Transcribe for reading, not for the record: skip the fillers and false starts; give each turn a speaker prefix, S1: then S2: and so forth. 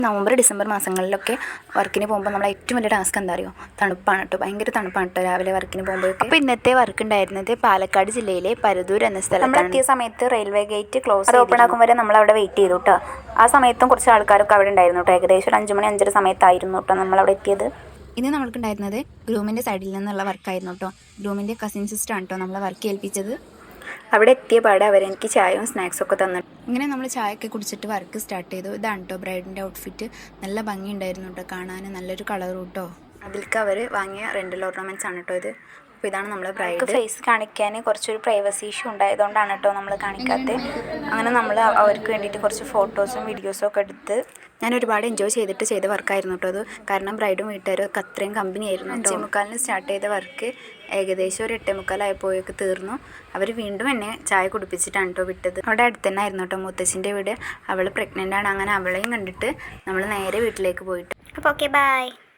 S1: November December മാസങ്ങളിലൊക്കെ വർക്കിന് പോകുമ്പോൾ നമ്മൾ ഏറ്റവും വലിയ ടാസ്ക് എന്താ അറിയോ? തണുപ്പാണ് കേട്ടോ, ഭയങ്കര തണുപ്പാണ് കേട്ടോ രാവിലെ വർക്കിന് പോകുമ്പോഴൊക്കെ. അപ്പോൾ ഇന്നത്തെ വർക്ക് ഉണ്ടായിരുന്നത് പാലക്കാട് ജില്ലയിലെ പരുതൂർ എന്ന സ്ഥലത്താണ്. നമ്മൾ എത്തിയ സമയത്ത് റെയിൽവേ ഗേറ്റ് ക്ലോസ് ഓപ്പൺ ആക്കും വരെ നമ്മൾ അവിടെ വെയിറ്റ് ചെയ്തു കേട്ടോ. ആ സമയത്തും കുറച്ച് ആൾക്കാരൊക്കെ അവിടെ ഉണ്ടായിരുന്നു കേട്ടോ. ഏകദേശം ഒരു 5 മണി 5:30 സമയത്തായിരുന്നു കേട്ടോ നമ്മളവിടെ എത്തിയത്. ഇന്ന് നമ്മൾക്കുണ്ടായിരുന്നത് ഗ്രൂമിൻ്റെ സൈഡിൽ നിന്നുള്ള വർക്കായിരുന്നു കേട്ടോ. ഗ്രൂമിൻ്റെ കസിൻ സിസ്റ്ററാണ് കേട്ടോ നമ്മളെ വർക്ക് ഏൽപ്പിച്ചത്. അവിടെ എത്തിയ പാടെ അവരെനിക്ക് ചായയും സ്നാക്സും ഒക്കെ തന്നിട്ട് ഇങ്ങനെ നമ്മൾ ചായയൊക്കെ കുടിച്ചിട്ട് വർക്ക് സ്റ്റാർട്ട് ചെയ്തു. ഇതാണ് കേട്ടോ ബ്രൈഡിൻ്റെ ഔട്ട്ഫിറ്റ്. നല്ല ഭംഗിയുണ്ടായിരുന്നു കേട്ടോ കാണാൻ, നല്ലൊരു കളറും കേട്ടോ. അതിലേക്ക് അവർ വാങ്ങിയ റെൻ്റൽ ഓർണമെൻറ്റ്സ് ആണ് കേട്ടോ ഇത്. അപ്പോൾ ഇതാണ് നമ്മളെ ബ്രൈഡ്. ഫേസ് കാണിക്കാൻ കുറച്ചൊരു പ്രൈവസി ഇഷ്യൂ ഉണ്ടായതുകൊണ്ടാണ് കേട്ടോ നമ്മൾ കാണിക്കാത്തത്. അങ്ങനെ നമ്മൾ അവർക്ക് വേണ്ടിയിട്ട് കുറച്ച് ഫോട്ടോസും വീഡിയോസും ഒക്കെ എടുത്ത് ഞാൻ ഒരുപാട് എൻജോയ് ചെയ്തിട്ട് ചെയ്ത വർക്കായിരുന്നു കേട്ടോ അത്. കാരണം ബ്രൈഡും വീട്ടുകാരും ഒക്കെ അത്രയും കമ്പനി ആയിരുന്നു. 5:45 സ്റ്റാർട്ട് ചെയ്ത വർക്ക് ഏകദേശം ഒരു 8:45 തീർന്നു. അവർ വീണ്ടും എന്നെ ചായ കുടിപ്പിച്ചിട്ടാണ് കേട്ടോ വിട്ടത്. അവിടെ അടുത്ത് തന്നെ ആയിരുന്നു കേട്ടോ മുത്തശ്ശിൻ്റെ വീട്. അവൾ പ്രഗ്നൻ്റ് ആണ്. അങ്ങനെ അവളെയും കണ്ടിട്ട് നമ്മൾ നേരെ വീട്ടിലേക്ക് പോയിട്ട്.
S2: അപ്പോൾ ഓക്കെ ബൈ.